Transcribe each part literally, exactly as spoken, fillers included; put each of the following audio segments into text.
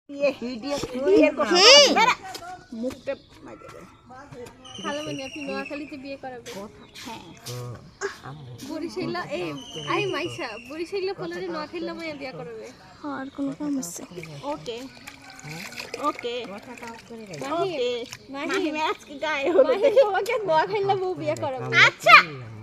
ये हिडिया ये को মুখটা মাইরে দে খালামণি আপনি নোয়াখালীতে বিয়ে করাবে হ্যাঁ বরিশাইলা এই আই মাইশা বরিশাইলা ফলরে নোয়াখালীলা মাইয়া বিয়ে করাবে আর কোন কাম আছে ওকে ওকে ওকে মাহি ম্যাচ কি গায়ে হলো মাহি তোমাকে নোয়াখালীলা বউ বিয়ে করাবে আচ্ছা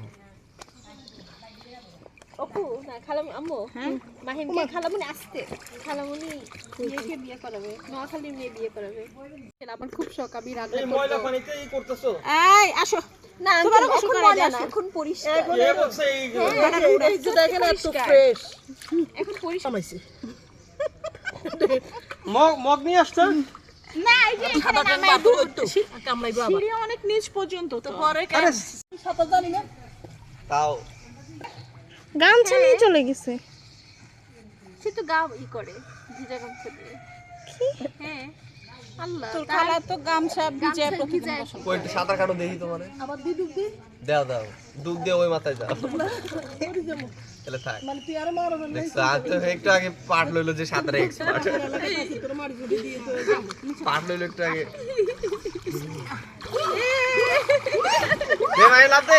ওকু না খালাম আম্মু হ্যাঁ মাহিমকে খালামণি আসতে খালামণি মেয়েকে বিয়ে করাবে নোয়াখালীর মেয়ে বিয়ে করাবে আমার খুব শখ আমি রান্না করব এই ময়লা পানিতে এই করতেছো এই আসো না তোমার এখন ময়লা না এখন পরিষ্কার এ বলছে এই এই যে দেখেন এত ফ্রেশ এখন পরিষ্কার আমাইছে মগ মগ নিয়ে আসছেন না এই যে এখানে নামাই দুটো কামড়াইবো আবার সিঁড়ি অনেক নিচ পর্যন্ত তো পরে কেন সাথে জানি না তাও গামছা নিয়ে চলে গেছে সে তো গা ই করে ভিজা গামছা দিয়ে কি হ্যাঁ আল্লাহ তোর খালা তো গামছা ভিজে প্রতিদিন বসে কই একটু সাঁতার কাটো দেখি তোমারে আবার দি দুধ দি দাও দাও দুধ দিয়ে ওই মাথায় যাও ওরে যাবো তাহলে থাক মানে তুই আর মারো না দেখছো আজ তো একটু আগে পাট লইলো যে সাঁতারে এক্সপার্ট তোর মারি যদি দিয়ে তো পাট লইলো একটু আগে দে ভাই লাতে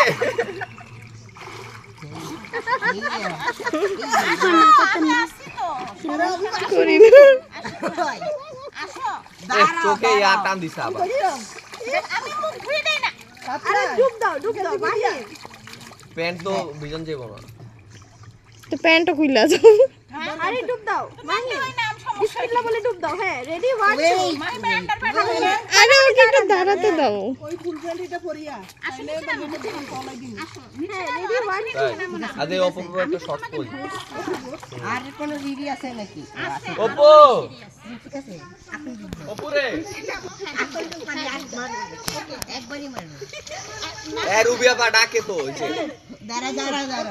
চোখে ইয়া টান দিছে আবার আমি মুখ ধুই দেই না আরে ডুব দাও ডুব দাও মাহি প্যান্ট তো ভিজন যাইব না তো প্যান্টটা খুইলা যাও আরে ডুব দাও মাহি ওই নাম সমস্যা বিসমিল্লাহ বলে ডুব দাও হ্যাঁ রেডি ওয়ান টু মাহি ব্যান্ডার পাঠা হইলে আরে ওকে একটু দাঁড়াতে দাও ওই ফুল প্যান্টটা পরিয়া আসলে মানে দিন কলাই দিন হ্যাঁ রেডি ওয়ান টু আদে অপু একটা শর্ট কই আর কোন রিডি আছে নাকি অপু ঠিক আছে অপু রে একবারই মারবে এ রুবিয়া পা ডাকে তো ওই যে দাঁড়া দাঁড়া দাঁড়া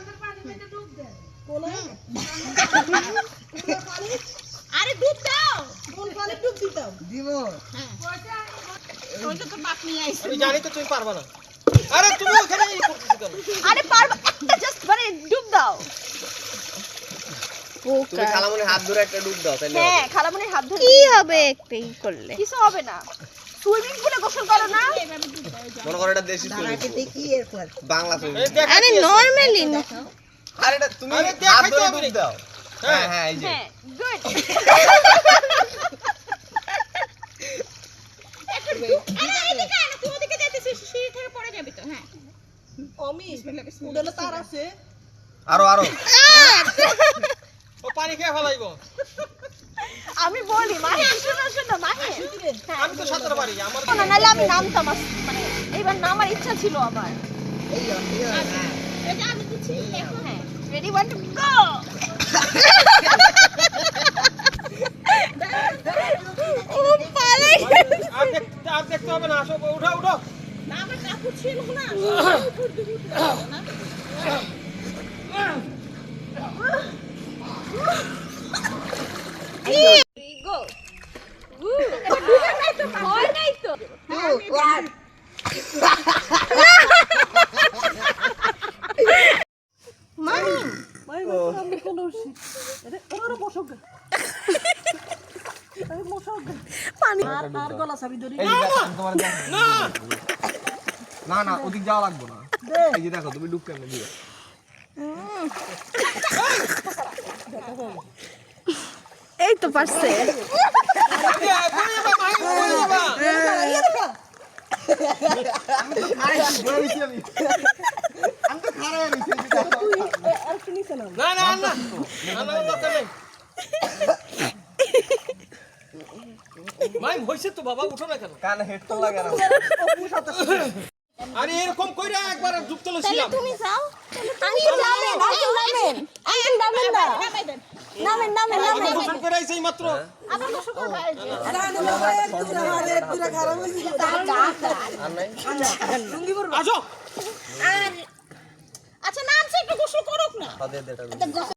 আরে ডুব দাও কোন পানি ডুব দিতাও দিব হ্যাঁ ওইটা তো বাপ নিয়ে আইছে আমি জানি তো তুমি পারবা না আরে তুমি ওখানে এই করতেছ কেন আরে পারবা একটা জাস্ট মানে ডুব দাও তুমি খালামণির হাত ধরে একটা ডুব দাও তাহলে হ্যাঁ খালামণির হাত ধরে কি হবে একটাই করলে কিছু হবে না সুইমিং পুলে গোসল করো না মনে করো এটা দেশি সুইমিং পুল দেখি এরপর বাংলা সুইমিং আরে নরমালি আরে এটা তুমি হাত ধরে ডুব দাও হ্যাঁ হ্যাঁ এই যে হ্যাঁ গুড আরো আরো ও পানি খেয়ে ফলাইবো আমি বলি মাহি শুনো শুনো মাহি আমি তো সাঁতার পারি আমার না নালে আমি নামতাম আস- মানে এইবার নামার ইচ্ছা ছিল আমার এটা আমি দিচ্ছি এখন হ্যাঁ রেডি ওয়ান টু গো ও পালাই আর দেখতে আর দেখতে হবে না আসো উঠো উঠো না আমার কাপড় ছিল না গো এবার ঢুকে নাই তো ভয় নাই তো মামি মামি আমি কোন আরে ওরে বসো আরে বসো পানি আর আর গলা চাবি ধরি এই যে তোমার না না না ওদিক যাওয়া লাগবে না এই যে দেখো তুমি ডুব কেমনে দিও এই তো পারছে না না না না দরকার নেই মাই হইছে তো বাবা উঠো না কেন কানে হেডফোন লাগে না আরে এরকম কইরা একবার ডুব চলেছিলাম তুমি যাও আমি নামেন নামেন আমি নামেন না নামেন নামেন নামেন গোসল করে আইছে মাত্র আবার গোসল করবা আসো আচ্ছা নামছে একটু গোসল করুক না দে দে